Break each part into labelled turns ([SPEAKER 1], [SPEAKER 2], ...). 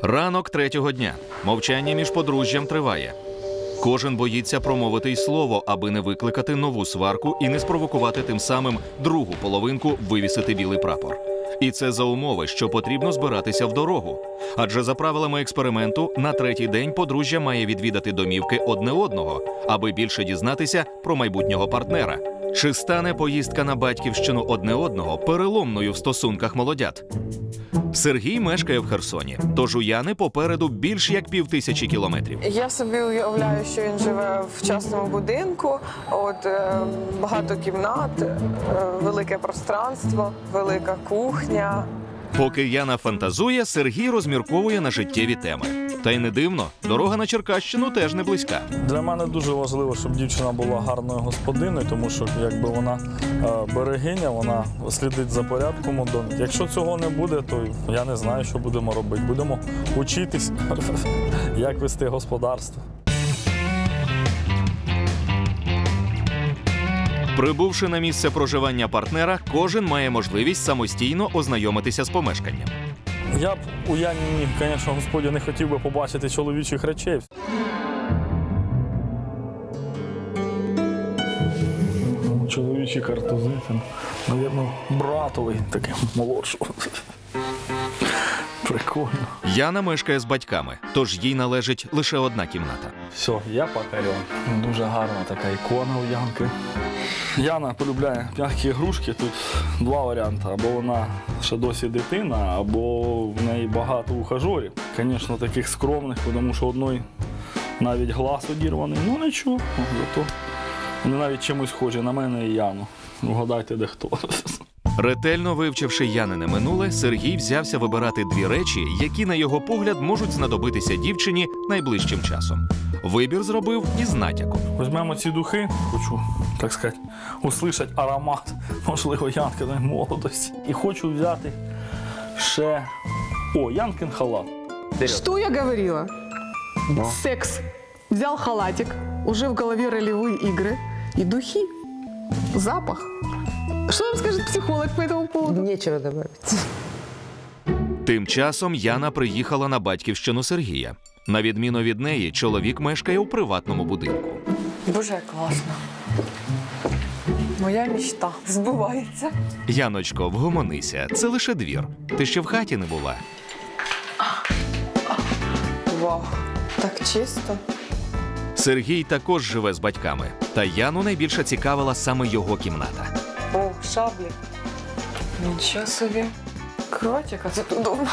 [SPEAKER 1] Ранок третього дня. Мовчання між подружжям триває. Кожен боїться промовити й слово, аби не викликати нову сварку і не спровокувати тим самим другу половинку вивісити білий прапор. І це за умови, що потрібно збиратися в дорогу. Адже за правилами експерименту на третій день подружжя має відвідати домівки одне одного, аби більше дізнатися про майбутнього партнера. Чи стане поїздка на батьківщину одне одного переломною в стосунках молодят? Сергій мешкає в Херсоні, тож у Яни попереду більш як 5000 кілометрів.
[SPEAKER 2] Я собі уявляю, що він живе в частному будинку, багато кімнат, велике пространство, велика кухня.
[SPEAKER 1] Поки Яна фантазує, Сергій розмірковує на життєві теми. Та й не дивно, дорога на Черкащину теж не близька.
[SPEAKER 3] Для мене дуже важливо, щоб дівчина була гарною господиною, тому що якби вона берегиня, вона слідить за порядком у домі. Якщо цього не буде, то я не знаю, що будемо робити. Будемо вчитись, як вести господарство.
[SPEAKER 1] Прибувши на місце проживання партнера, кожен має можливість самостійно ознайомитися з помешканням.
[SPEAKER 3] Я б у Яні, звісно, господі, не хотів би побачити чоловічих речей. Чоловічі картузи, мабуть, братовий, такий молодший. Прикольно.
[SPEAKER 1] Яна мешкає з батьками, тож їй належить лише одна кімната.
[SPEAKER 3] Все, я покорен. Дуже гарна така ікона у Янки. Яна полюбляє м'які ігрушки. Тут два варіанти. Або вона ще досі дитина, або в неї багато ухажорів. Звісно, таких скромних, тому що одної навіть глаз одірваний. Ну нічого, зато вони навіть чимось схожі на мене і Яну. Вгадайте, де хто.
[SPEAKER 1] Ретельно вивчивши Янине минуле, Сергій взявся вибирати дві речі, які, на його погляд, можуть знадобитися дівчині найближчим часом. Вибір зробив із натяком.
[SPEAKER 3] Візьмемо ці духи, хочу, так сказати, услышати аромат, можливо, Янкиної молодості. І хочу взяти ще, Янкин халат.
[SPEAKER 2] Что я говорила? Секс. Взял халатик, уже в голове ролевые игры и духи. Запах. Что вам скажет психолог по этому поводу?
[SPEAKER 4] Нечего добавить.
[SPEAKER 1] Тим часом Яна приїхала на батьківщину Сергія. На відміну від неї, чоловік мешкає у приватному будинку.
[SPEAKER 2] Боже, як класно. Моя мечта збувається.
[SPEAKER 1] Яночко, вгомонися, це лише двір. Ти ще в хаті не була.
[SPEAKER 2] Вау, так чисто.
[SPEAKER 1] Сергій також живе з батьками. Та Яну найбільше цікавила саме його кімната.
[SPEAKER 2] О, шаблі. Нічого собі. Кровать, яка тут удобна.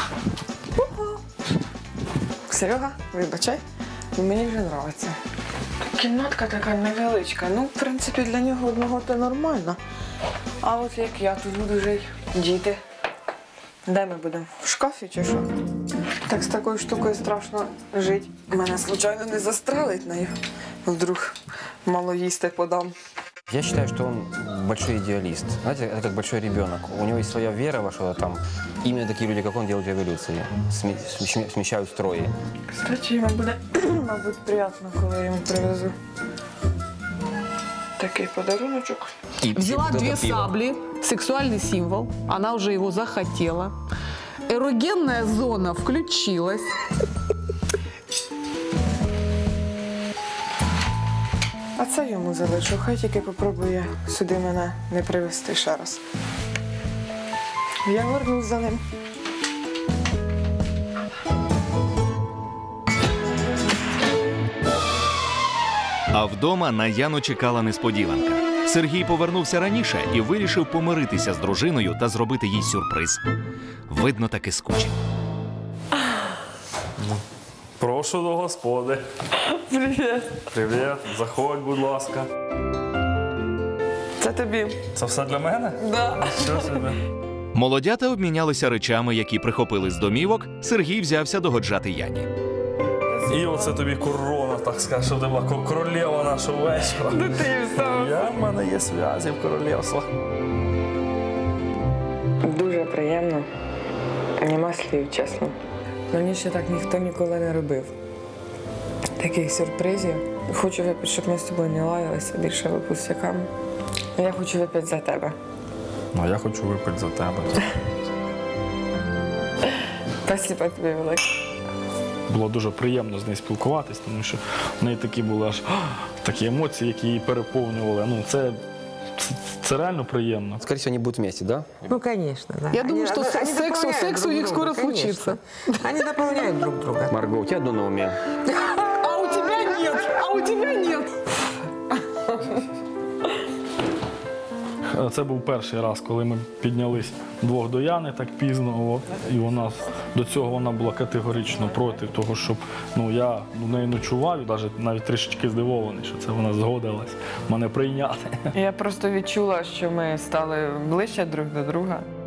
[SPEAKER 2] Серега, вибачай, мені вже подобається. Кімнатка така невеличка. Ну, в принципі, для нього одного то нормально. А от як я тут буду жити, діти. Де ми будемо? В шкафі чи що? Так з такою штукою страшно жити. Мене, звичайно, не застрелить нею. Вдруг мало їсти подам.
[SPEAKER 5] Я считаю, что он большой идеалист. Знаете, это как большой ребенок. У него есть своя вера во что-то там. Именно такие люди, как он, делают революции, смещают строи.
[SPEAKER 2] Кстати, йому буде, мабуть, приємно, коли я йому привезу такий подаруночок.
[SPEAKER 6] Взяла две сабли, сексуальный символ, она уже его захотела. Эрогенная зона включилась.
[SPEAKER 2] А це йому залишу. Хай тільки попробує сюди мене не привезти ще раз. Я вернусь за ним.
[SPEAKER 1] А вдома на Яну чекала несподіванка. Сергій повернувся раніше і вирішив помиритися з дружиною та зробити їй сюрприз. Видно, таки скучив.
[SPEAKER 3] Прошу до господи.
[SPEAKER 2] Привіт.
[SPEAKER 3] Привіт, заходь, будь ласка.
[SPEAKER 2] Це тобі.
[SPEAKER 3] Це все для мене?
[SPEAKER 2] Да.
[SPEAKER 3] Що себе?
[SPEAKER 1] Молодята обмінялися речами, які прихопили з домівок. Сергій взявся догоджати Яні.
[SPEAKER 3] І оце тобі корона, так скажеш, щоб ти була королева нашого вечора.
[SPEAKER 2] Ти сам.
[SPEAKER 3] В мене є зв'язі в королівствах.
[SPEAKER 2] Дуже приємно. Нема слів, чесно. Мені ще так ніхто ніколи не робив. Таких сюрпризів. Хочу випити, щоб ми з тобою не лаялися більше випускниками. Я хочу випити за тебе.
[SPEAKER 3] Ну, я хочу випити за тебе.
[SPEAKER 2] Спасибо тобі велике.
[SPEAKER 3] було дуже приємно з нею спілкуватись, тому що в неї такі були аж такі емоції, які її переповнювали. Ну, це реально приємно.
[SPEAKER 5] Скорее всего, они будут вместе, да?
[SPEAKER 4] Ну, конечно, да.
[SPEAKER 6] Я думаю, что
[SPEAKER 4] они
[SPEAKER 6] секс
[SPEAKER 4] дополняют
[SPEAKER 6] у них
[SPEAKER 4] друг
[SPEAKER 6] скоро
[SPEAKER 4] друга, конечно.
[SPEAKER 6] случится.
[SPEAKER 4] Они дополняют друг друга.
[SPEAKER 5] Марго, у тебя одно на уме.
[SPEAKER 6] А у тебя нет, а у тебя нет.
[SPEAKER 3] Це був перший раз, коли ми піднялись вдвох до Яни так пізно. І до цього вона була категорично проти того, щоб я в неї ночував, і навіть трішечки здивований, що це вона згодилась мене прийняти.
[SPEAKER 2] Я просто відчула, що ми стали ближче друг до друга.